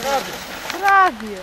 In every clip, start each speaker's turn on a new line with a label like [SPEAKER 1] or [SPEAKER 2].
[SPEAKER 1] Prawie.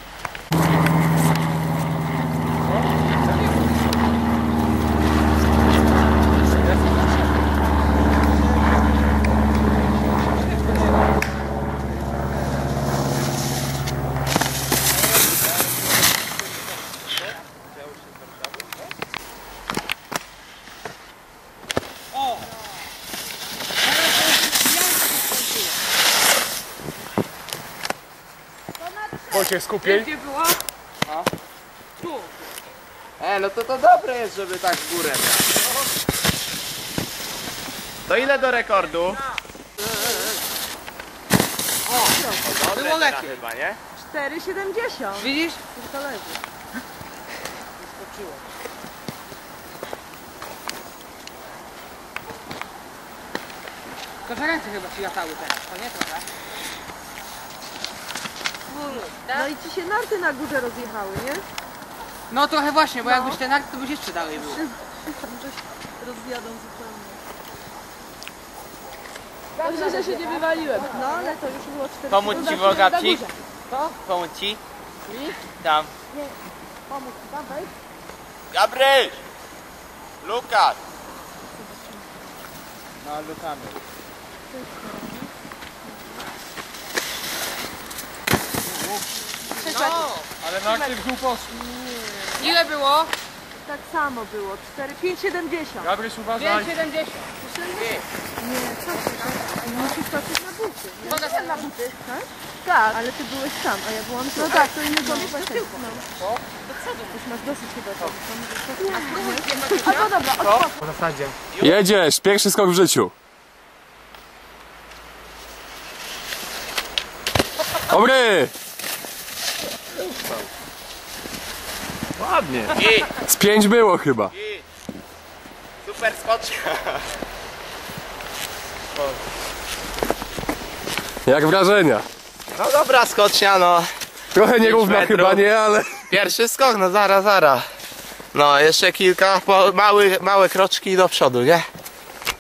[SPEAKER 2] Wojciech, skupień.
[SPEAKER 3] Gdzie było?
[SPEAKER 4] A?
[SPEAKER 3] Tu.
[SPEAKER 4] No to dobre jest, żeby tak w górę mieć. To ile do rekordu?
[SPEAKER 3] Było lepiej.
[SPEAKER 4] Chyba, nie?
[SPEAKER 1] 4,70.
[SPEAKER 3] Widzisz?
[SPEAKER 1] To leży.
[SPEAKER 3] Skoczyło. Tylko że ręce chyba ci latały teraz, to nie trochę?
[SPEAKER 1] No i ci się narty na górze rozjechały, nie?
[SPEAKER 3] No trochę właśnie, bo jakbyś ten akt, to byś jeszcze dalej był.
[SPEAKER 1] Coś rozjadą zupełnie. Dobrze, że się nie wywaliłem. No ale to już było 4.
[SPEAKER 4] Pomóc ci Wogapcik?
[SPEAKER 1] Co?
[SPEAKER 4] Pomóc ci?
[SPEAKER 1] Mi?
[SPEAKER 4] Tam.
[SPEAKER 1] Nie. Pomóż ci tam wejść.
[SPEAKER 4] Gabryś! Lukas!
[SPEAKER 2] No, lukamy.
[SPEAKER 3] No!
[SPEAKER 2] Ale na akcie w dół poszli.
[SPEAKER 3] Ile było?
[SPEAKER 1] Tak samo było. 5,70.
[SPEAKER 2] Gabryś, uważaj.
[SPEAKER 3] 5,70.
[SPEAKER 1] Nie, co ty? Musisz patrzeć na buty. Nie?
[SPEAKER 3] Pokaż na buty.
[SPEAKER 1] Tak? Tak, ale ty byłeś tam, a ja byłam tu. No tak, to inny kąt. No. Już masz dosyć chyba tego. A no dobra, odpad.
[SPEAKER 2] W zasadzie.
[SPEAKER 5] Jedziesz! Pierwszy skok w życiu. Dobry!
[SPEAKER 2] Ładnie.
[SPEAKER 5] Z 5 było chyba.
[SPEAKER 4] Super skocznia.
[SPEAKER 5] Jak wrażenia?
[SPEAKER 4] No dobra skocznia, no.
[SPEAKER 5] Trochę nierówna
[SPEAKER 4] metrów.
[SPEAKER 5] chyba, nie? Ale...
[SPEAKER 4] Pierwszy skok, no zaraz. No jeszcze kilka, małe kroczki do przodu, nie?